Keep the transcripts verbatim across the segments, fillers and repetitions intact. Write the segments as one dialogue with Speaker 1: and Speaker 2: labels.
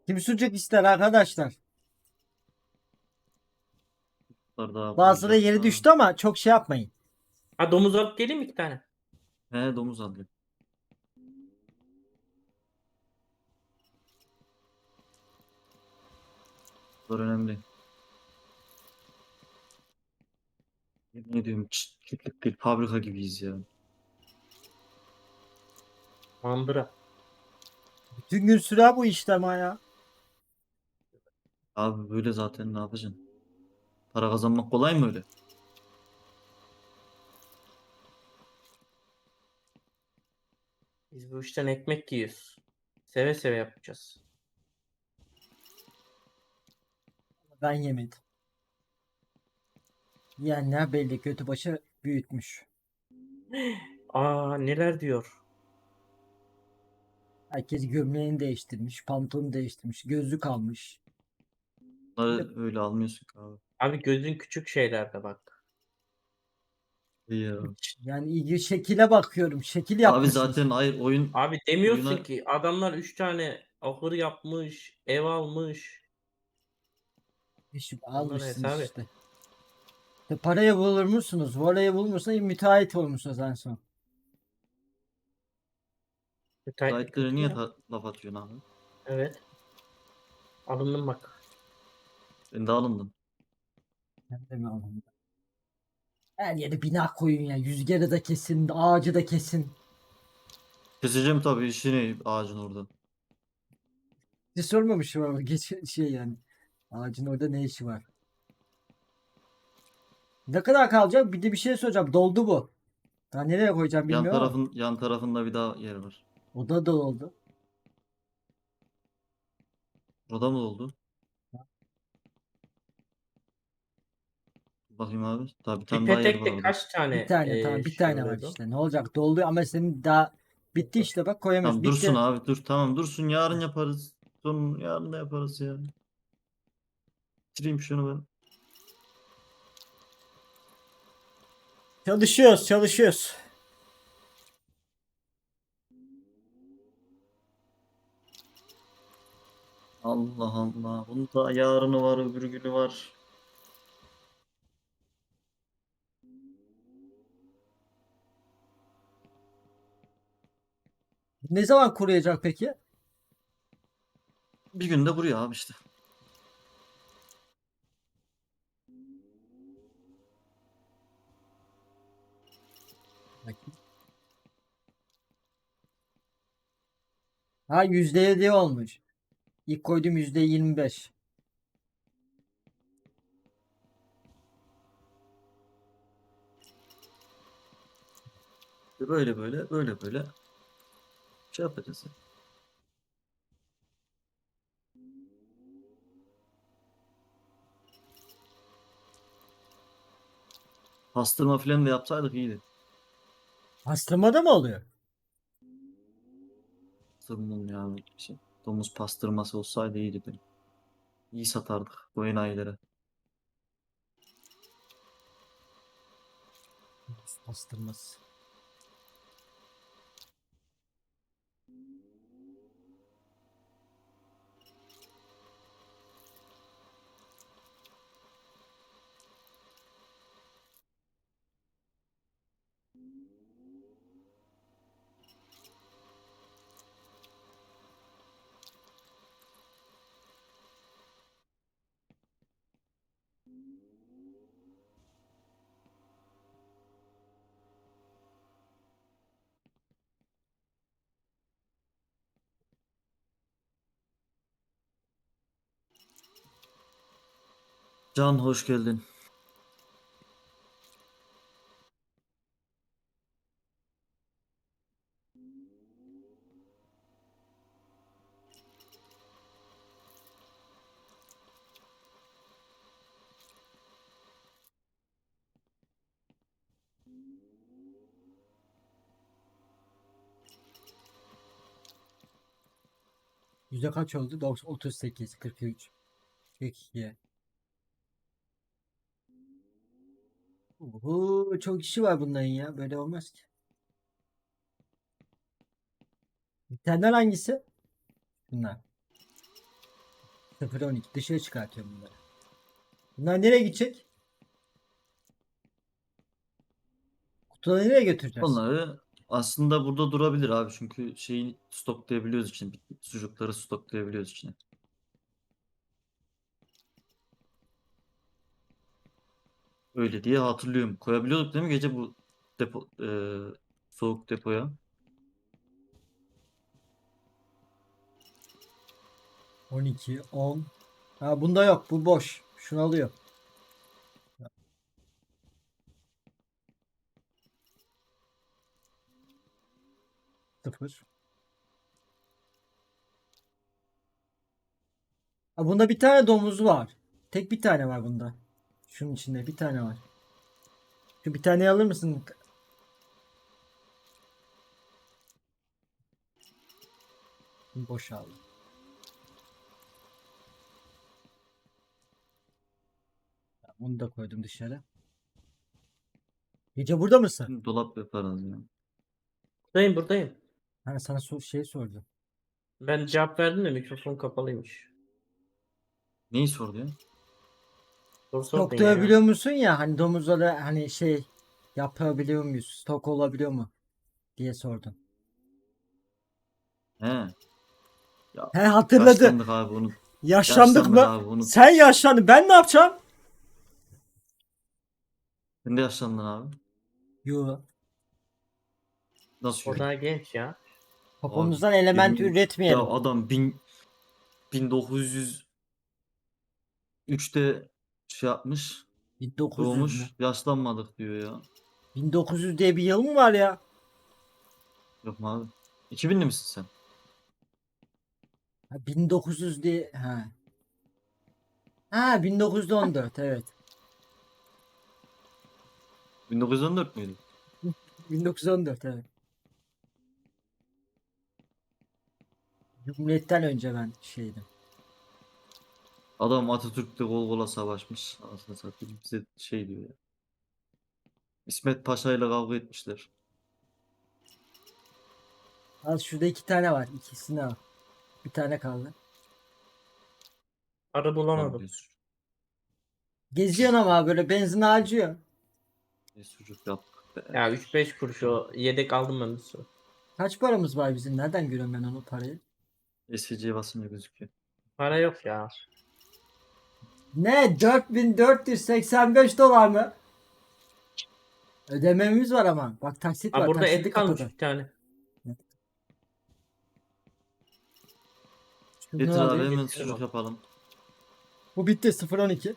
Speaker 1: Kim sucuk ister arkadaşlar?
Speaker 2: Bunlar daha
Speaker 1: Bazıları
Speaker 2: bulacak
Speaker 1: yeri
Speaker 2: da.
Speaker 1: düştü ama çok şey yapmayın.
Speaker 3: Ha, domuz alıp geleyim mi iki tane?
Speaker 2: He, domuz alıyor. Bunlar önemli. Ne diyorum, ç- çiftlik değil, fabrika gibiyiz ya.
Speaker 3: Mandıra.
Speaker 1: Bütün gün sürer bu işlem ya.
Speaker 2: Abi böyle zaten ne yapacaksın? Para kazanmak kolay mı öyle?
Speaker 3: Biz bu işten ekmek yiyoruz. Seve seve yapacağız.
Speaker 1: Ben yemedim. Yiyenler belli kötü başı büyütmüş.
Speaker 3: Aa, neler diyor.
Speaker 1: Herkes gömleğini değiştirmiş, pantolonu değiştirmiş, gözlük almış. Bir de
Speaker 2: Bunları öyle almıyorsun ki abi.
Speaker 3: Abi gözün küçük şeylerde bak.
Speaker 2: İyi ya.
Speaker 1: yani ilgi şekile bakıyorum. Şekil
Speaker 2: Abi
Speaker 1: yapmışsınız.
Speaker 2: zaten hayır, oyun
Speaker 3: Abi demiyorsun
Speaker 2: oyuna
Speaker 3: ki adamlar üç tane ahır yapmış, ev almış.
Speaker 1: İş
Speaker 3: Onları
Speaker 1: almışsınız
Speaker 3: hesap et.
Speaker 1: işte. İşte parayı bulur musunuz? Parayı bulmuşsunuz, müteahhit olmuşsunuz en son.
Speaker 3: Müteahhitlik
Speaker 2: sahipleri
Speaker 3: kötü
Speaker 2: niye
Speaker 3: ya.
Speaker 2: ta- laf atıyorsun abi?
Speaker 3: Evet. Alındım bak.
Speaker 2: Ben de alındım.
Speaker 1: Ben de mi alayım? Her yere bina koyun ya. Rüzgarı da kesin, ağacı da kesin.
Speaker 2: Keseceğim tabii işini ağacın orada.
Speaker 1: Hiç sormamışım ama geç şey yani. Ağacın orada ne işi var? Ne kadar kalacak? Bir de bir şey soracağım. Doldu bu. Daha nereye koyacağım
Speaker 2: Yan
Speaker 1: bilmiyorum ama.
Speaker 2: tarafın yan tarafında bir daha yer var.
Speaker 1: O da doldu.
Speaker 2: Orada mı oldu? Bakayım abi. Daha bir
Speaker 3: Bir
Speaker 2: tane daha yer var
Speaker 3: petekte
Speaker 2: orada.
Speaker 3: kaç
Speaker 1: Bir
Speaker 3: tane
Speaker 1: tane
Speaker 3: e,
Speaker 1: tamam bir
Speaker 3: şey
Speaker 1: tane var
Speaker 3: oluyordu?
Speaker 1: işte. Ne olacak? Doldu ama senin daha bitti işte bak koyamıyorsun.
Speaker 2: Tamam dursun
Speaker 1: Bitti.
Speaker 2: abi, dur, tamam dursun, yarın yaparız. Son yarın da yaparız ya. Bitireyim şunu ben.
Speaker 1: Çalışıyoruz, çalışıyoruz.
Speaker 2: Allah Allah. Bunun da yarını var, öbür günü var.
Speaker 1: Ne zaman kuruyacak peki?
Speaker 2: Bir günde buraya abi işte.
Speaker 1: Bakayım. Ha yüzde yedi olmuş. İlk koyduğum yüzde yirmi beş.
Speaker 2: Böyle böyle böyle böyle şey yapacağız ya. Pastırma falan da yapsaydık iyiydi.
Speaker 1: Pastırmada mı oluyor?
Speaker 2: Pastırmam ya bir şey. Domuz pastırması olsaydı iyiydi benim. İyi satardık bu enayilere.
Speaker 1: Pastırması.
Speaker 2: Can hoş geldin.
Speaker 1: Yüzde kaç oldu? doksan, otuz sekiz, kırk üç, kırk iki. Oho, çok işi var bunların ya. Böyle olmaz ki. Bitenler hangisi? Bunlar. sıfır on iki dışarı çıkartıyorum bunları. Bunlar nereye gidecek? Kutuları nereye götüreceğiz?
Speaker 2: Onları aslında burada durabilir abi çünkü şeyi stoklayabiliyoruz için sucukları stoklayabiliyoruz içine. Öyle diye hatırlıyorum. Koyabiliyorduk değil mi gece bu depo e, soğuk depoya?
Speaker 1: on iki, on. Ha bunda yok. Bu boş. Şunu alıyor. Sıfır. Ha bunda bir tane domuz var. Tek bir tane var bunda. Şunun içinde bir tane var. Şu bir tane alır mısın? Boş aldım. Bunu da koydum dışarı. Gece burada mısın?
Speaker 2: Dolap yaparız ya.
Speaker 3: Buradayım buradayım.
Speaker 1: Hani sana so- şey sordum.
Speaker 3: Ben cevap verdim de mikrofon kapalıymış.
Speaker 2: Neyi sordu ya?
Speaker 3: Soru
Speaker 1: Stok
Speaker 3: sordun ya.
Speaker 1: dövabiliyor musun ya hani domuzlara hani şey yapabiliyor muyuz? Stok olabiliyor mu? Diye sordum.
Speaker 2: He. Ya
Speaker 1: He hatırladı.
Speaker 2: yaşlandık abi unut.
Speaker 1: Yaşlandık
Speaker 2: Yaşlandık
Speaker 1: mı?
Speaker 2: abi unut.
Speaker 1: Sen yaşlandın. Ben ne yapacağım?
Speaker 2: Sen de yaşlandın abi.
Speaker 1: Yo.
Speaker 2: Nasıl
Speaker 3: O
Speaker 2: yok?
Speaker 3: daha genç ya.
Speaker 2: Abi
Speaker 1: Popomuzdan element
Speaker 2: yemin ya
Speaker 1: üretmeyelim.
Speaker 2: adam bin, bin dokuz yüz üçte şey yapmış.
Speaker 1: bin dokuz yüz mü?
Speaker 2: Doğmuş. Yaşlanmadık diyor ya.
Speaker 1: bin dokuz yüz diye bir yıl mı var ya?
Speaker 2: Yok mu abi? iki binli misin sen?
Speaker 1: Ha, bin dokuz yüz diye ha. Ha bin dokuz yüz on dört evet.
Speaker 2: bin dokuz yüz on dört müydü?
Speaker 1: bin dokuz yüz on dört evet. Cumhuriyet'ten önce ben şeydim.
Speaker 2: Adam Atatürk'le kol kola savaşmış. Aslında satayım bize şey diyor ya. İsmet Paşa ile kavga etmişler.
Speaker 1: Al şurada iki tane var. İkisini al. Bir tane kaldı.
Speaker 3: Arı
Speaker 2: Tamam
Speaker 3: bulamadım.
Speaker 2: diyorsun.
Speaker 1: Geziyorsun ama böyle benzin harcıyor.
Speaker 2: Ne sucuk yaptık be.
Speaker 3: Ya üç beş kuruş o yedek aldım ben bir sürü.
Speaker 1: Kaç paramız var bizim? Nereden görüyorum ben onu parayı?
Speaker 2: S V C'ye basınca gözüküyor.
Speaker 3: Para yok ya.
Speaker 1: Ne? dört bin dört yüz seksen beş dolar mı? Ödememiz var ama. Bak taksit
Speaker 3: Ha
Speaker 1: var.
Speaker 3: burada
Speaker 1: Taksidi
Speaker 3: et kalmış
Speaker 1: kapadı.
Speaker 3: bir tane.
Speaker 1: Şunu
Speaker 2: Getir abi
Speaker 1: alayım.
Speaker 2: hemen
Speaker 3: Getirin
Speaker 2: sucuk
Speaker 3: abi.
Speaker 2: yapalım.
Speaker 1: Bu bitti sıfır on iki.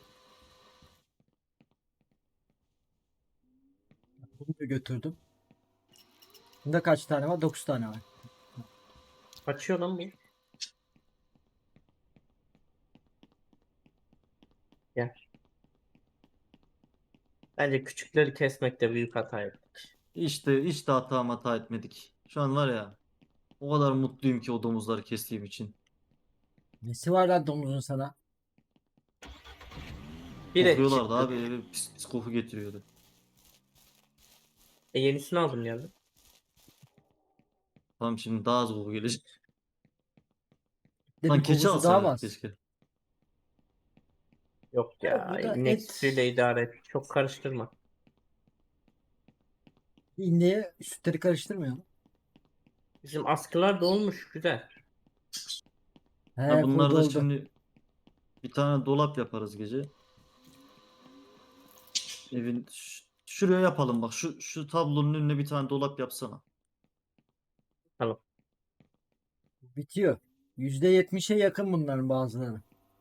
Speaker 1: Bunu da götürdüm. Bunda kaç tane var? dokuz tane var.
Speaker 3: Kaçıyor lan bu. Gel. Bence küçükleri kesmekte büyük hata yaptık.
Speaker 2: İşte hiç de hata hata etmedik. Şu an var ya o kadar mutluyum ki o domuzları kestiğim için.
Speaker 1: Nesi var lan domuzun sana?
Speaker 3: Bir et
Speaker 2: Kokuyorlardı
Speaker 3: çıktı.
Speaker 2: abi eve pis, pis koku getiriyordu.
Speaker 3: E yenisini aldım geldim.
Speaker 2: Tamam şimdi daha az koku gelecek.
Speaker 1: De
Speaker 2: Lan
Speaker 1: bir
Speaker 2: keçi
Speaker 1: kokusu daha
Speaker 2: alsaydık
Speaker 1: var.
Speaker 2: keşke.
Speaker 3: Yok
Speaker 1: Ya
Speaker 3: ya.
Speaker 1: burada
Speaker 3: İnek
Speaker 1: et.
Speaker 3: sütüyle idare et. Çok karıştırma.
Speaker 1: İndiğe sütleri karıştırmıyor mu?
Speaker 3: Bizim askılar da olmuş güzel.
Speaker 2: Ha,
Speaker 1: He full
Speaker 2: bunları da
Speaker 1: doldu.
Speaker 2: şimdi bir tane dolap yaparız gece. Evin ş- şuraya yapalım bak şu şu tablonun önüne bir tane dolap yapsana.
Speaker 3: Tamam.
Speaker 1: Bitiyor. yüzde yetmişe yakın bunların bazıları.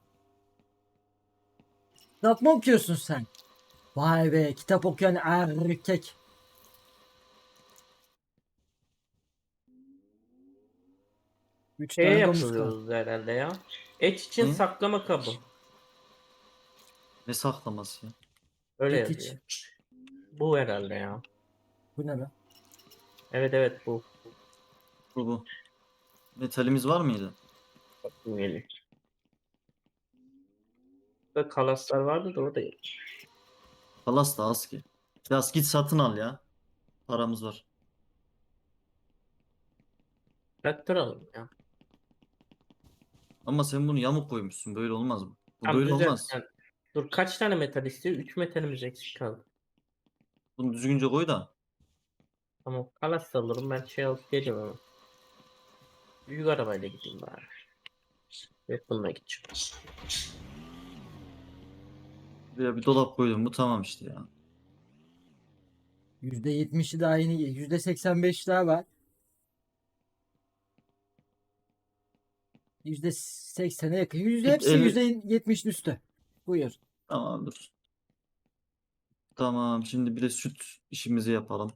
Speaker 1: Kitap mı okuyorsun sen? Vay be kitap okuyan erkek. Üç
Speaker 3: Şeye
Speaker 1: tane domuz kaldı.
Speaker 3: yapıyoruz herhalde ya. Et için
Speaker 2: Ne?
Speaker 3: saklama kabı.
Speaker 2: Ne saklaması ya?
Speaker 3: Öyle
Speaker 1: Et iç.
Speaker 3: yazıyor. Bu herhalde ya.
Speaker 1: Bu ne lan?
Speaker 3: Evet evet bu.
Speaker 2: Bu bu. Metalimiz var mıydı?
Speaker 3: Bu geliyor. Burada kalaslar vardı da o da yok.
Speaker 2: Palas da az ki. Biraz git satın al ya. Paramız var.
Speaker 3: Traktör alalım ya.
Speaker 2: Ama sen bunu yamuk koymuşsun. Böyle olmaz mı? Bu
Speaker 3: Tamam
Speaker 2: böyle
Speaker 3: düzelt
Speaker 2: olmaz.
Speaker 3: sen. Dur kaç tane metal istiyor? üç metalimiz eksik kaldı.
Speaker 2: Bunu düzgünce koy da.
Speaker 3: Tamam kalas alırım ben şey alıp geliyorum ama. Büyük arabayla gideyim bari. Yok bununla gideceğim.
Speaker 2: Buraya bir dolap koydum. Bu tamam işte ya.
Speaker 1: yüzde yetmişi daha yeni, yüzde seksen beş daha var. yüzde seksene yakın. Yüzde
Speaker 2: Git
Speaker 1: hepsi
Speaker 2: eli.
Speaker 1: yüzde yetmişin üstü. Buyur.
Speaker 2: Tamamdır. Tamam. Şimdi bir de süt işimizi yapalım.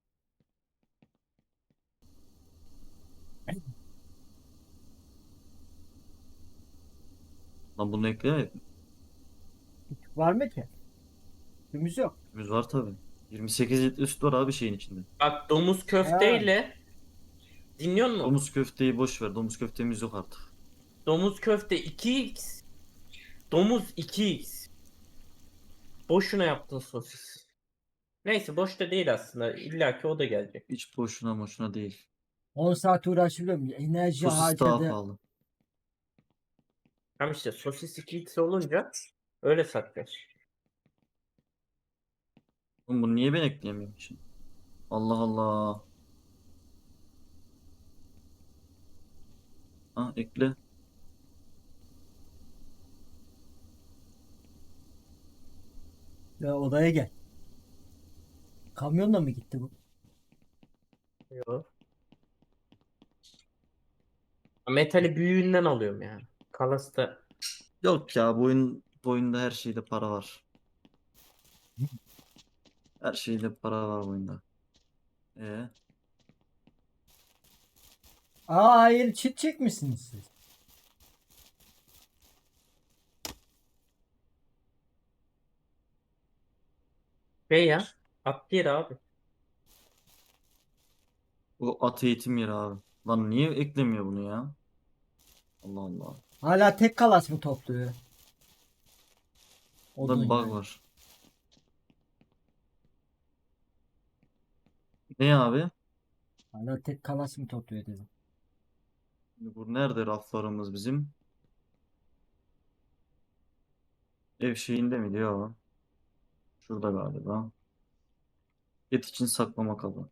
Speaker 2: Lan bunu ekleyemedik mi?
Speaker 1: Var mı ki? Gümüz yok.
Speaker 2: Yüz var tabii. yirmi sekiz litre süt var abi şeyin içinde.
Speaker 3: Bak domuz
Speaker 1: Ha.
Speaker 3: köfteyle dinliyor musun?
Speaker 2: Domuz köfteyi boş ver. Domuz köftemiz yok artık.
Speaker 3: Domuz köfte iki x. Domuz iki x. Boşuna yaptın sosis. Neyse boş da değil aslında. İlla ki o da gelecek.
Speaker 2: Hiç boşuna boşuna değil.
Speaker 1: on saat uğraşıyorum. Enerji
Speaker 2: Sosis daha
Speaker 1: harcadı.
Speaker 2: pahalı.
Speaker 3: Tam işte sosis iki x olunca öyle satacağız.
Speaker 2: Oğlum bunu niye ben ekleyemiyorum şimdi? Allah Allah. Ha ekle.
Speaker 1: Ya odaya gel. Kamyonla mı gitti bu?
Speaker 3: Yok. Metali büyüğünden alıyorum yani. Kalas da
Speaker 2: Yok ya bu oyun, bu oyunda her şeyde para var. Her şeyde para var bu oyunda. Ee,
Speaker 1: Aa hayır, çit çekmişsiniz siz.
Speaker 3: şey ya. At yeri abi.
Speaker 2: bu at eğitim yeri abi. Lan niye eklemiyor bunu ya? Allah Allah.
Speaker 1: Hala tek kalas mı topluyor?
Speaker 2: Bunda
Speaker 1: Odun
Speaker 2: bir bug
Speaker 1: yani.
Speaker 2: var. Ne abi?
Speaker 1: Hala tek kalas mı topluyor dedim.
Speaker 2: Bu nerede raflarımız bizim? Ev şeyinde mi diyor? Şurada galiba. Et için saklama kabı.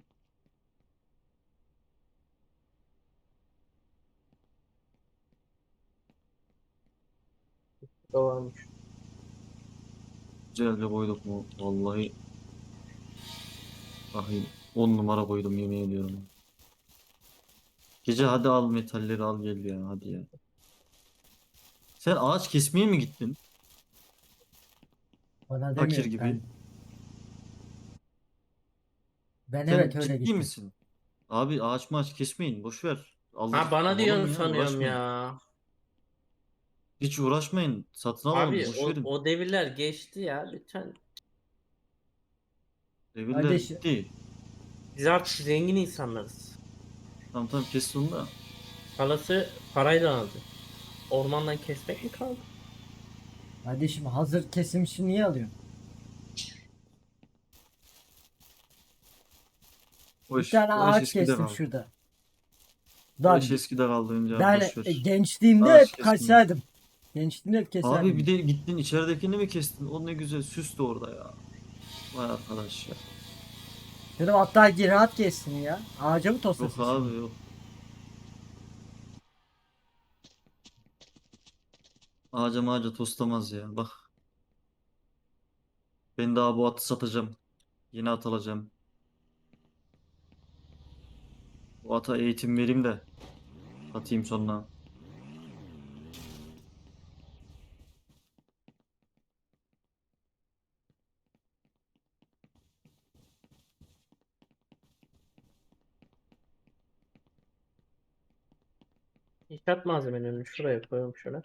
Speaker 3: O varmış.
Speaker 2: Güzelce koyduk mu? Vallahi Vallahi on numara koydum yemin ediyorum. Gece hadi al metalleri al gel ya hadi ya. Sen ağaç kesmeye mi gittin?
Speaker 1: Bana
Speaker 2: Fakir
Speaker 1: demiyor
Speaker 2: gibi.
Speaker 1: ben. Ben evet
Speaker 2: Sen
Speaker 1: öyle
Speaker 2: ciddi
Speaker 1: gittim.
Speaker 2: misin? Abi ağaç maaç kesmeyin boş ver.
Speaker 3: Ha
Speaker 2: Alır
Speaker 3: bana
Speaker 2: alalım
Speaker 3: diyorsun
Speaker 2: ya
Speaker 3: sanıyorum
Speaker 2: uğraşmayın.
Speaker 3: ya.
Speaker 2: Hiç uğraşmayın. Satın alalım
Speaker 3: Abi
Speaker 2: boş
Speaker 3: o,
Speaker 2: verin.
Speaker 3: o devirler geçti ya lütfen.
Speaker 2: Devirler
Speaker 1: Kardeş,
Speaker 2: bitti.
Speaker 3: Biz artık zengin insanlarız.
Speaker 2: Tamam tamam kes onu da.
Speaker 3: Kalası parayla aldı. Ormandan kesmek mi kaldı?
Speaker 1: kardeşim hazır kesim için niye alıyorsun?
Speaker 2: O
Speaker 1: Bir
Speaker 2: iş,
Speaker 1: tane
Speaker 2: o iş
Speaker 1: ağaç
Speaker 2: eskide
Speaker 1: kestim
Speaker 2: kaldı.
Speaker 1: şurada.
Speaker 2: O
Speaker 1: Lan
Speaker 2: iş eskide kaldı önce abi
Speaker 1: ben
Speaker 2: boş
Speaker 1: e,
Speaker 2: ver.
Speaker 1: gençliğimde
Speaker 2: Ağaç
Speaker 1: hep
Speaker 2: kesmeyin.
Speaker 1: kaçardım. Gençliğimde hep
Speaker 2: Abi bir
Speaker 1: keserdim.
Speaker 2: de gittin içeridekini mi kestin? O ne güzel süslü orada ya. Vay arkadaş ya.
Speaker 1: Dedim hatta gir rahat kessin ya. Ağaca mı
Speaker 2: Yok
Speaker 1: toslasın şimdi?
Speaker 2: abi yok. Ağaca mağaca toslamaz ya. Bak ben daha bu atı satacağım. Yeni at alacağım. Bu ata eğitim vereyim de satayım sonra.
Speaker 3: İnşaat malzemelerini şuraya koyuyorum şöyle.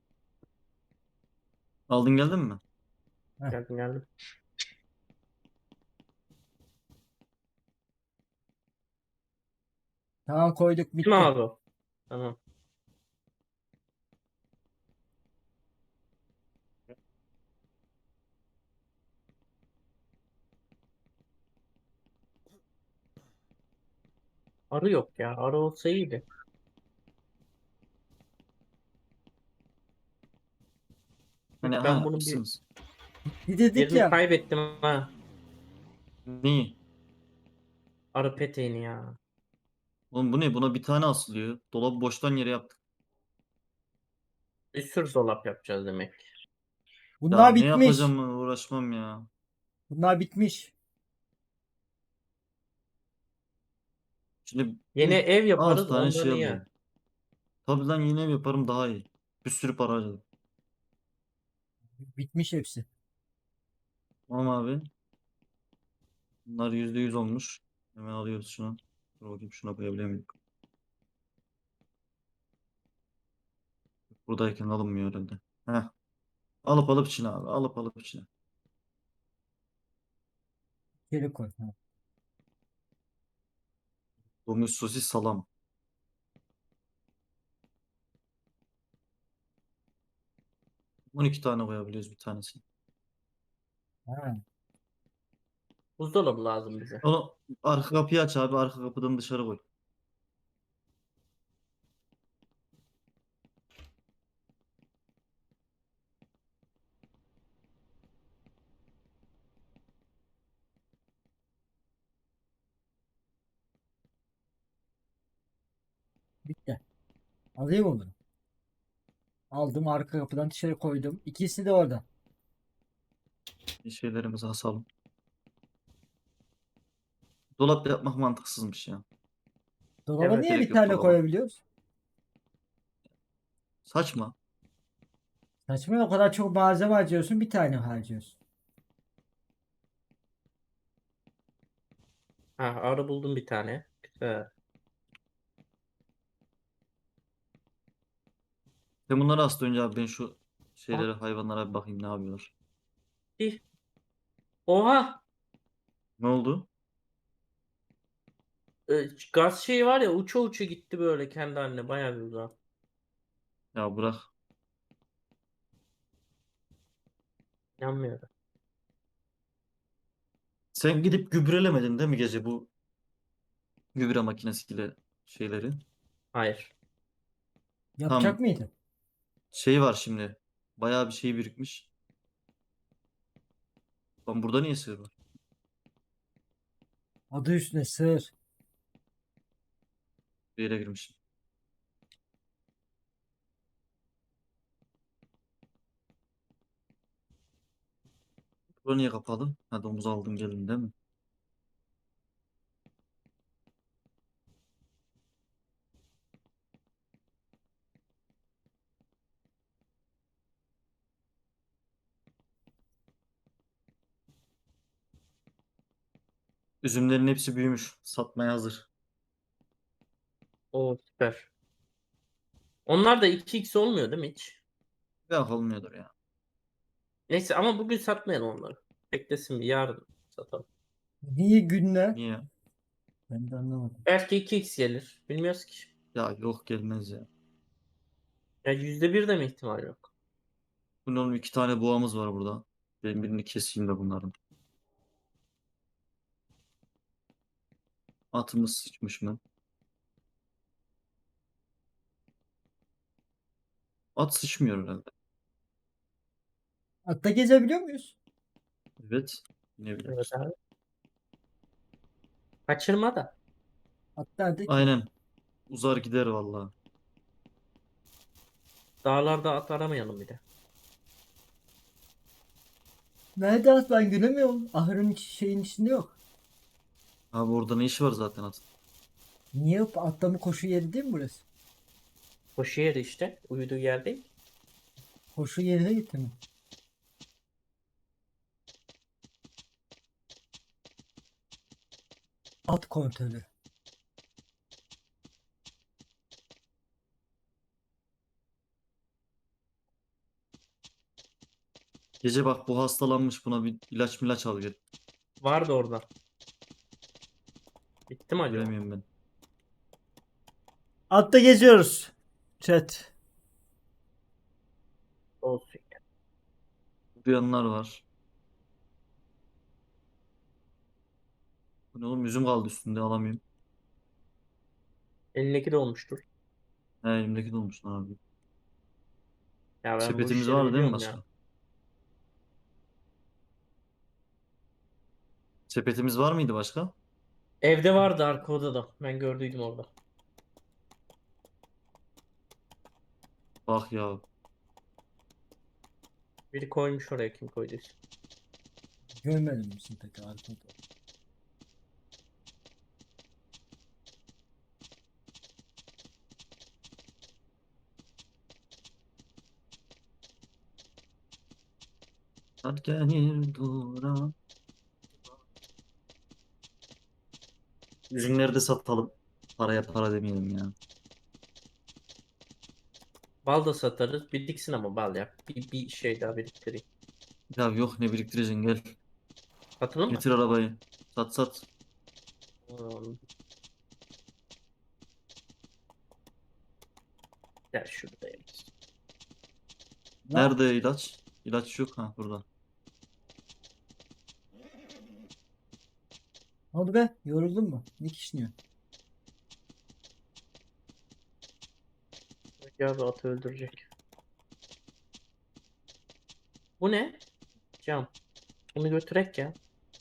Speaker 2: Aldın geldin mi?
Speaker 1: Heh,
Speaker 3: Geldim geldim.
Speaker 1: tamam koyduk
Speaker 3: Kim
Speaker 1: bitti.
Speaker 3: abi o? Tamam. Arı yok ya. Arı olsa iyiydi.
Speaker 2: Hani
Speaker 3: Ben
Speaker 2: ha
Speaker 3: bunun bir
Speaker 2: mısınız?
Speaker 1: Bir dedik
Speaker 3: yerini
Speaker 1: ya.
Speaker 3: kaybettim ha.
Speaker 2: Neyi?
Speaker 3: Arı peteğini ya.
Speaker 2: Oğlum bu ne? Buna bir tane asılıyor. Dolabı boştan yere yaptık.
Speaker 3: Bir sürü dolap yapacağız demek.
Speaker 2: Ya
Speaker 1: Bunlar
Speaker 2: ne
Speaker 1: bitmiş.
Speaker 2: yapacağım ben, uğraşmam ya.
Speaker 1: Bunlar bitmiş.
Speaker 2: Şimdi
Speaker 3: Yeni
Speaker 2: bu
Speaker 3: ev
Speaker 2: altı
Speaker 3: yaparız
Speaker 2: tane
Speaker 3: ondan
Speaker 2: şey
Speaker 3: iyi.
Speaker 2: alıyor. Tabii lan yine ev yaparım daha iyi. Bir sürü para harcadım.
Speaker 1: Bitmiş hepsi.
Speaker 2: Tamam abi. Bunlar yüzde yüz olmuş. Hemen alıyoruz şunu. Dur bakayım şuna koyabiliyor muyum? Buradayken alınmıyor herhalde. Heh. Alıp alıp içine abi. Alıp alıp içine.
Speaker 1: Geri koy. Ha.
Speaker 2: Domuz sosis salam. on iki tane koyabiliyoruz bir tanesini.
Speaker 1: Ha.
Speaker 3: Buzdolabı lazım bize.
Speaker 2: Onu arka kapıyı aç abi. Arka kapıdan dışarı koy.
Speaker 1: Bitti. Alayım mı bunu? Aldım arka kapıdan dışarı koydum. İkisi de orada.
Speaker 2: Bir şeylerimizi asalım. Dolap yapmak mantıksızmış ya.
Speaker 1: Dolaba
Speaker 3: Evet.
Speaker 1: niye
Speaker 2: Gerek
Speaker 1: bir
Speaker 2: yok
Speaker 1: tane
Speaker 2: dolaba.
Speaker 1: koyabiliyoruz?
Speaker 2: Saçma.
Speaker 1: Saçma, o kadar çok malzeme harcıyorsun, bir tane harcıyorsun.
Speaker 3: Ha, arı buldum bir tane. Güzel.
Speaker 2: Sen bunları asla önce abi ben şu
Speaker 3: Aa,
Speaker 2: şeylere hayvanlara bir bakayım ne yapıyorlar.
Speaker 3: bir- Oha!
Speaker 2: Ne oldu?
Speaker 3: Ee, gaz şeyi var ya uça uça gitti böyle kendi haline bayağı bir uzağa.
Speaker 2: Ya bırak.
Speaker 3: İnanmıyorum.
Speaker 2: Sen gidip gübrelemedin değil mi gece bu gübre makinesiyle şeyleri?
Speaker 3: Hayır.
Speaker 1: Yapacak
Speaker 2: Tam
Speaker 1: mıydı?
Speaker 2: şey var şimdi. Bayağı bir şey birikmiş. Lan burada niye sığır var?
Speaker 1: Adı üstüne sığır.
Speaker 2: Bir yere girmişim. Burada niye kapalı? Ha domuz aldım gelin değil mi? Üzümlerin hepsi büyümüş. Satmaya hazır.
Speaker 3: O süper. Onlar da iki x olmuyor değil mi hiç?
Speaker 2: Yok olmuyordur ya.
Speaker 3: Neyse ama bugün satmayalım onları. Beklesin bir yarın satalım.
Speaker 1: Niye günler?
Speaker 2: Niye?
Speaker 1: Ben de anlamadım.
Speaker 3: Belki iki x gelir. Bilmiyoruz ki.
Speaker 2: Ya yok gelmez ya.
Speaker 3: Ya yüzde bir de mi ihtimal yok?
Speaker 2: Bunun oğlum iki tane boğamız var burada. Ben birini keseyim de bunların. Atımız sıçmış mı? At sıçmıyor herhalde.
Speaker 1: Hatta gezebiliyor muyuz?
Speaker 2: Evet. Ne
Speaker 3: Evet
Speaker 2: biliyorsun?
Speaker 3: abi. Kaçırma da.
Speaker 1: At nerede ki?
Speaker 2: Aynen. Uzar gider vallahi.
Speaker 3: Dağlarda at aramayalım bir de.
Speaker 1: Nerede at, ben göremiyorum. Ahırın iç- şeyin içinde yok.
Speaker 2: Abi orada ne işi var zaten atın?
Speaker 1: Niye atlama koşu yeri değil mi burası?
Speaker 3: Koşu yeri işte. Uyuduğu yer değil.
Speaker 1: Koşu yerine gitti mi? At kontrolü.
Speaker 2: Gece bak bu hastalanmış buna bir ilaç milaç al gel.
Speaker 3: Vardı orada. Bitti mi acaba?
Speaker 2: Göremiyorum ben.
Speaker 1: Atta geziyoruz. Chat.
Speaker 3: Olsun.
Speaker 2: Duyanlar var. Bu ne oğlum üzüm kaldı üstünde alamıyorum.
Speaker 3: Elindeki de olmuştur.
Speaker 2: He elimdeki dolmuş lan abi.
Speaker 3: Ya ben bu
Speaker 2: Sepetimiz
Speaker 3: işleri
Speaker 2: var değil mi
Speaker 3: biliyorum ya.
Speaker 2: başka? Sepetimiz var mıydı başka?
Speaker 3: Evde vardı arka odada. Ben gördüydüm orada.
Speaker 2: Bak ya.
Speaker 3: Biri koymuş oraya, kim koyduysa.
Speaker 1: Görmedim misin peki arkada?
Speaker 2: Hadi gelir dura. Üzümleri de satalım. Paraya para demeyelim ya.
Speaker 3: Bal da satarız. Biriksin ama bal ya. Bir, bir şey daha biriktireyim.
Speaker 2: Ya yok ne biriktireceksin gel.
Speaker 3: Satalım mı?
Speaker 2: Getir arabayı. Sat sat.
Speaker 3: Hmm. Gel şurada.
Speaker 1: Lan,
Speaker 2: Nerede ilaç? İlaç yok ha burada.
Speaker 1: ne oldu be? Yoruldun mu? Ne kişniyor?
Speaker 3: Ya bir atı öldürecek. Bu ne? Cam. Bunu götürek ya.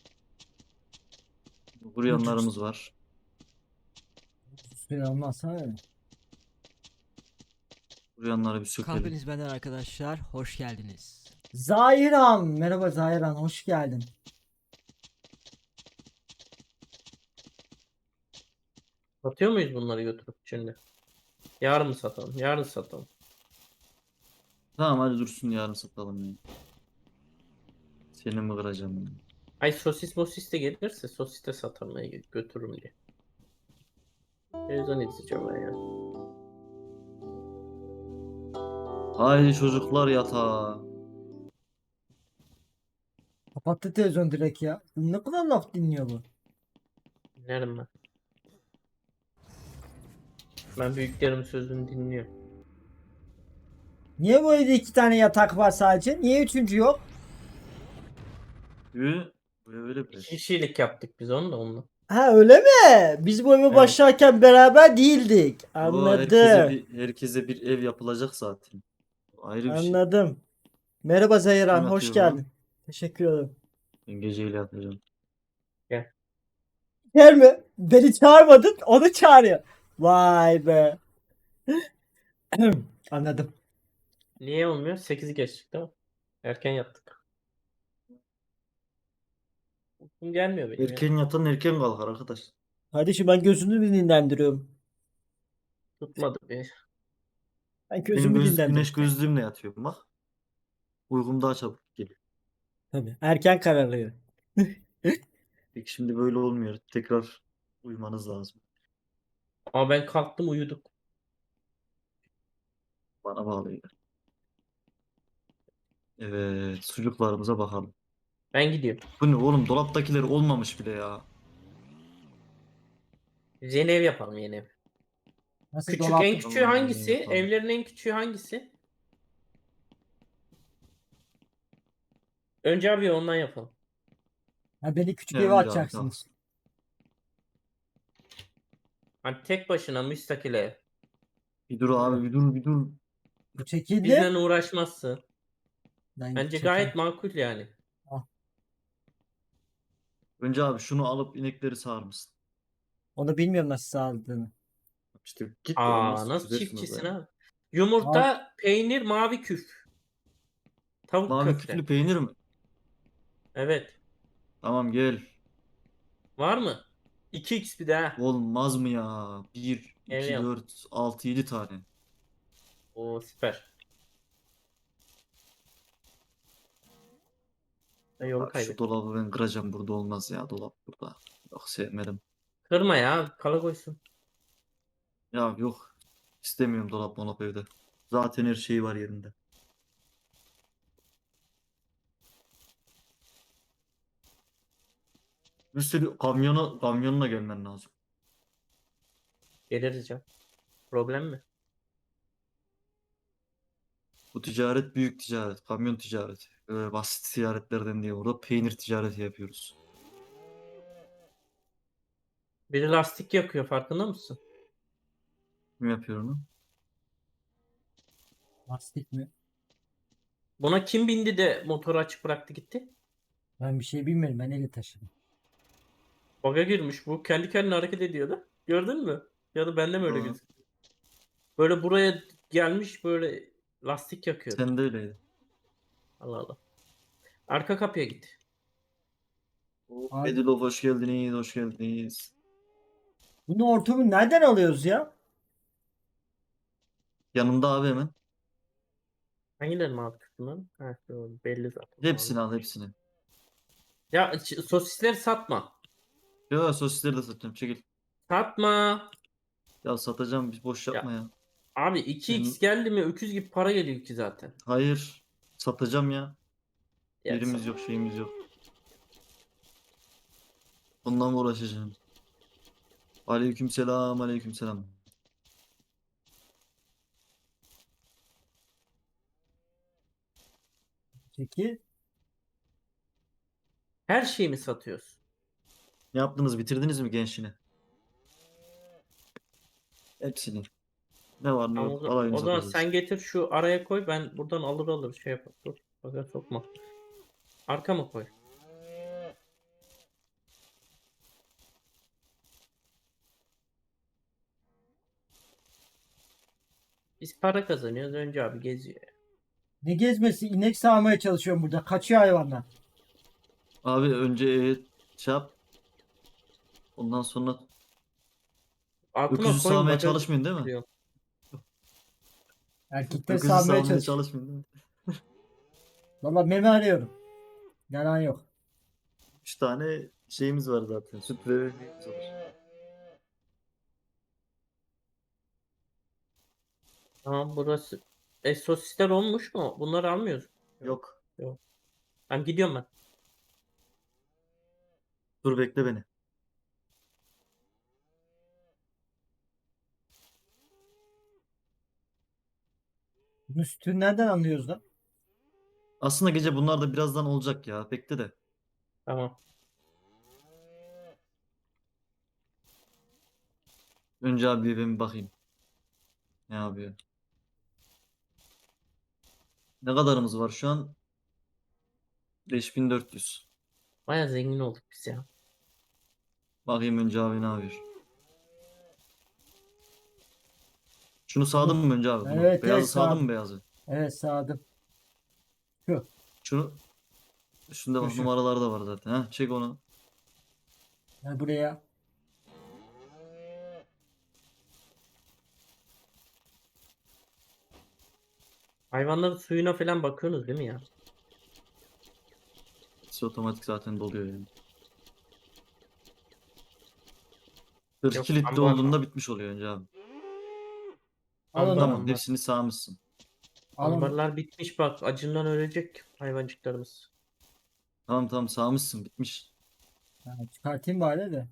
Speaker 2: Buryanlarımız var.
Speaker 1: Süre almazsa öyle.
Speaker 2: Buryanları bir sökelim.
Speaker 4: Kahveniz benden arkadaşlar. Hoş geldiniz.
Speaker 1: Zahiran. Merhaba Zahiran. Hoş geldin.
Speaker 3: Satıyor muyuz bunları götürüp şimdi? Yarın mı satalım? Yarın satalım.
Speaker 2: Tamam hadi dursun yarın satalım ya. Seni mi kıracağım ya?
Speaker 3: Ay sosis mosis de gelirse sosis de satarım ya, götürürüm diye. Televizyon izleyeceğim ben ya.
Speaker 2: Haydi çocuklar yatağa.
Speaker 1: Kapattı televizyon direkt ya. Ne kadar laf dinliyor bu?
Speaker 3: Dinlerim ben. Ben büyüklerimin sözünü dinliyorum.
Speaker 1: Niye bu evde iki tane yatak var sadece? Niye üçüncü yok?
Speaker 2: Yürü. Böyle böyle
Speaker 3: İki
Speaker 2: böyle.
Speaker 3: kişilik yaptık biz onu da onunla.
Speaker 1: Ha öyle mi? Biz bu eve
Speaker 2: Evet.
Speaker 1: başlarken beraber değildik.
Speaker 2: O herkese
Speaker 1: Anladım.
Speaker 2: bir, herkese bir ev yapılacak zaten. Ayrı bir şey.
Speaker 1: Anladım. Merhaba Zahiran.
Speaker 2: Kim
Speaker 1: Hoş
Speaker 2: yatıyor buna?
Speaker 1: geldin. Teşekkür ederim.
Speaker 2: Ben geceyle yatacağım.
Speaker 1: Gel mi? Beni çağırmadın. Onu çağırıyor. Vay be. Anladım.
Speaker 3: Niye olmuyor? sekizi geçtik değil mi? Erken yattık. Uykum gelmiyor benim ya.
Speaker 2: Erken yatan erken kalkar arkadaş.
Speaker 1: Kardeşim ben gözümü dinlendiriyorum.
Speaker 3: Tutmadı bir.
Speaker 1: Ben
Speaker 2: Ben
Speaker 1: gözümü
Speaker 2: göz,
Speaker 1: dinlendiriyorum.
Speaker 2: güneş gözlüğümle yatıyorum bak. Uykum daha çabuk geliyor.
Speaker 1: Tabii. Erken kararlıyor.
Speaker 2: Peki şimdi böyle olmuyor. Tekrar uyumanız lazım.
Speaker 3: Ama ben kalktım uyuduk.
Speaker 2: Bana bağlı. Evet, sucuklarımıza bakalım.
Speaker 3: Ben gidiyorum.
Speaker 2: Bu ne oğlum dolaptakiler olmamış bile ya.
Speaker 3: Yeni ev yapalım, yeni ev.
Speaker 1: Nasıl
Speaker 3: Küçük,
Speaker 1: dolap?
Speaker 3: en küçüğü
Speaker 2: Tamam,
Speaker 3: hangisi?
Speaker 2: yeni yapalım.
Speaker 3: Evlerin en küçüğü hangisi? Önce abi ondan yapalım.
Speaker 1: Ha, beni küçük
Speaker 2: Ya
Speaker 1: eve
Speaker 2: önce abi,
Speaker 1: atacaksınız.
Speaker 3: Hani tek başına müstakil ev.
Speaker 2: Bir dur abi bir dur bir dur.
Speaker 1: Bu çekildi.
Speaker 3: Bizden uğraşmazsın.
Speaker 1: Ben
Speaker 3: Bence
Speaker 1: çekil-
Speaker 3: gayet makul yani.
Speaker 2: Önce abi şunu alıp inekleri sağar mısın?
Speaker 1: Onu bilmiyorum nasıl sağladığını.
Speaker 2: İşte git
Speaker 3: Aa,
Speaker 2: olmaz.
Speaker 3: nasıl
Speaker 2: Çözersin
Speaker 3: çiftçisin
Speaker 2: orayı.
Speaker 3: abi? Yumurta, peynir, mavi küf. Tavuk
Speaker 2: Mavi
Speaker 3: köfte.
Speaker 2: küflü peynir mi?
Speaker 3: Evet.
Speaker 2: Tamam gel.
Speaker 3: Var mı? iki x bir de ha.
Speaker 2: Olmaz mı ya? bir,
Speaker 3: Ev
Speaker 2: iki,
Speaker 3: yap.
Speaker 2: dört, altı, yedi tane.
Speaker 3: Oo süper. Ben yolu
Speaker 2: Abi şu
Speaker 3: kaybettim.
Speaker 2: dolabı ben kıracağım burada olmaz ya dolap burada. Yok sevmedim.
Speaker 3: Kırma ya. Kala koysun.
Speaker 2: Ya yok. İstemiyorum dolap molap evde. Zaten her şey var yerinde. Bir sürü kamyona, kamyonla gelmen lazım.
Speaker 3: Geliriz ya. Problem mi?
Speaker 2: Bu ticaret büyük ticaret. Kamyon ticareti. Böyle basit ticaretlerden değil. Burada peynir ticareti yapıyoruz.
Speaker 3: Biri lastik yakıyor, farkında mısın?
Speaker 2: Kim yapıyor onu?
Speaker 1: Lastik mi?
Speaker 3: Buna kim bindi de motoru açık bıraktı gitti?
Speaker 1: Ben bir şey bilmiyorum. Ben eli taşıdım.
Speaker 3: Baga girmiş bu. Kendi kendine hareket ediyordu. Gördün mü? Ya da bende mi öyle
Speaker 2: Aa.
Speaker 3: gözüküyor? Böyle buraya gelmiş böyle lastik yakıyor.
Speaker 2: Sen de öyleydi.
Speaker 3: Allah Allah. Arka kapıya git.
Speaker 1: Abi,
Speaker 2: Bedilov hoş geldiniz, hoş geldiniz.
Speaker 1: bunu ortamı nereden alıyoruz ya?
Speaker 2: Yanımda abi hemen.
Speaker 3: Hangilerini aldık bunların? Ha, doğru, belli zaten.
Speaker 2: Hepsini al hepsini.
Speaker 3: Ya ç- sosisleri satma.
Speaker 2: Yo sosisleri de satıyorum çekil.
Speaker 3: Satma.
Speaker 2: Ya satacağım bir boş yapma
Speaker 3: Ya
Speaker 2: ya.
Speaker 3: abi iki x
Speaker 2: Benim-
Speaker 3: geldi mi öküz gibi para geliyor ki zaten.
Speaker 2: Hayır. Satacağım ya.
Speaker 3: Ya
Speaker 2: Yerimiz
Speaker 3: sat-
Speaker 2: yok şeyimiz yok. Bundan mı uğraşacağım? Aleyküm selam aleyküm selam.
Speaker 1: Peki.
Speaker 3: Her şeyi mi satıyorsun?
Speaker 2: Ne yaptınız bitirdiniz mi gençliğini? Hepsini. Ne var ne
Speaker 3: Ama o,
Speaker 2: yok
Speaker 3: za-
Speaker 2: alayını
Speaker 3: o zaman
Speaker 2: satacağız.
Speaker 3: sen getir şu araya koy, ben buradan alır alır şey yapar. Dur. Baga sokma. Arka mı koy? Biz para kazanıyoruz. Önce abi geziyor.
Speaker 1: Ne gezmesi? İnek sağmaya çalışıyorum burada. Kaçıyor hayvanlar.
Speaker 2: Abi önce e, şey yap. Ondan sonra
Speaker 3: Altına
Speaker 2: öküzü
Speaker 3: koyun
Speaker 2: sağmaya
Speaker 3: baga
Speaker 2: çalışmayın değil mi?
Speaker 3: diyor.
Speaker 1: Erkekleri
Speaker 2: Öküzü
Speaker 1: sağmaya
Speaker 2: sağmaya
Speaker 1: çalışıyor.
Speaker 2: çalışmayın değil mi?
Speaker 1: Valla meme arıyorum. Yalan yok.
Speaker 2: Üç tane şeyimiz var zaten. Süt ve ekmeğimiz var.
Speaker 3: Tamam burası. E sosisler olmuş mu? Bunları almıyoruz.
Speaker 2: Yok.
Speaker 3: Yok. Ben gidiyorum ben.
Speaker 2: Dur bekle beni.
Speaker 1: Bunun sütünü nereden anlıyoruz lan?
Speaker 2: Aslında gece bunlar da birazdan olacak ya. Bekle de.
Speaker 3: Tamam.
Speaker 2: Önce abi ben bir bakayım. Ne yapıyor? Ne kadarımız var şu an? beş bin dört yüz.
Speaker 3: Baya zengin olduk biz ya.
Speaker 2: Bakayım önce abi ne yapıyor? Şunu sağdın mı önce abi? Bunu.
Speaker 1: Evet,
Speaker 2: Beyazı
Speaker 1: evet,
Speaker 2: sağdın
Speaker 1: sağdım.
Speaker 2: mı beyazı?
Speaker 1: Evet sağdım. Şu.
Speaker 2: Şunu üstünde bak
Speaker 1: Şu, şu.
Speaker 2: numaralar da var zaten. Ha, çek onu.
Speaker 1: Gel buraya.
Speaker 3: Hayvanların suyuna falan bakıyorsunuz değil mi ya?
Speaker 2: Hepsi otomatik zaten doluyor yani. kırk iki
Speaker 3: Yok,
Speaker 2: litre
Speaker 3: ambar-
Speaker 2: olduğunda bitmiş oluyor önce abi.
Speaker 1: Al
Speaker 3: Ambar-
Speaker 1: onu.
Speaker 2: Tamam
Speaker 3: ambar.
Speaker 2: hepsini sağmışsın.
Speaker 1: Al onu.
Speaker 3: Ambarlar bitmiş bak. Acından ölecek hayvancıklarımız.
Speaker 2: Tamam tamam sağmışsın bitmiş.
Speaker 1: Ha, çıkartayım bari de.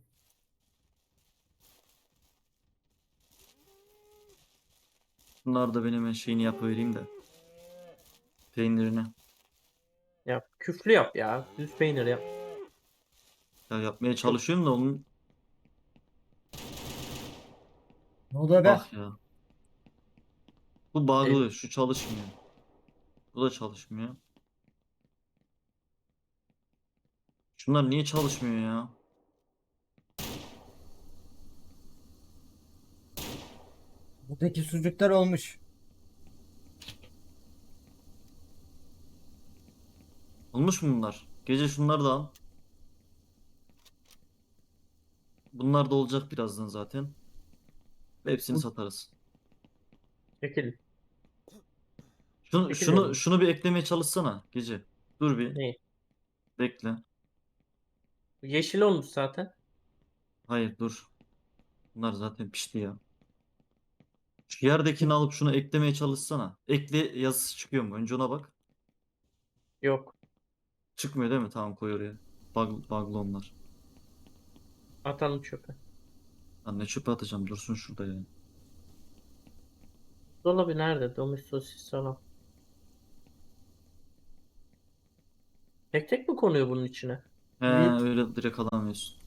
Speaker 2: Bunlar da benim hemen şeyini yapıvereyim de. Peynirini.
Speaker 3: Yap. Küflü yap ya. Düz peynir yap.
Speaker 2: Ya yapmaya çalışıyorum da onun
Speaker 1: Ne oluyor be?
Speaker 2: bak ya. Bu bağlı şu çalışmıyor. Bu da çalışmıyor. Şunlar niye çalışmıyor ya?
Speaker 1: Buradaki sucuklar olmuş.
Speaker 2: Olmuş mu bunlar? Gece şunları da al. Bunlar da olacak birazdan zaten. Hepsini
Speaker 1: Bu-
Speaker 2: satarız.
Speaker 3: Çekil.
Speaker 2: Şunu,
Speaker 3: Peki
Speaker 2: şunu,
Speaker 3: dedim.
Speaker 2: şunu bir eklemeye çalışsana gece. Dur bir.
Speaker 3: Ne?
Speaker 2: Bekle.
Speaker 3: Yeşil olmuş zaten.
Speaker 2: Hayır dur. Bunlar zaten pişti ya. Şu yerdekini alıp şunu eklemeye çalışsana. Ekle yazısı çıkıyor mu? Önce ona bak.
Speaker 3: Yok.
Speaker 2: Çıkmıyor değil mi? Tamam koy oraya. Bug, bug'lı onlar.
Speaker 3: Atalım çöpe.
Speaker 2: Lan ne çöpe atacağım dursun şurada ya.
Speaker 3: Dolabı nerede? Domates sosis salam. Tek tek mi konuyor bunun içine?
Speaker 2: He
Speaker 1: Evet.
Speaker 2: öyle direkt alamıyorsun.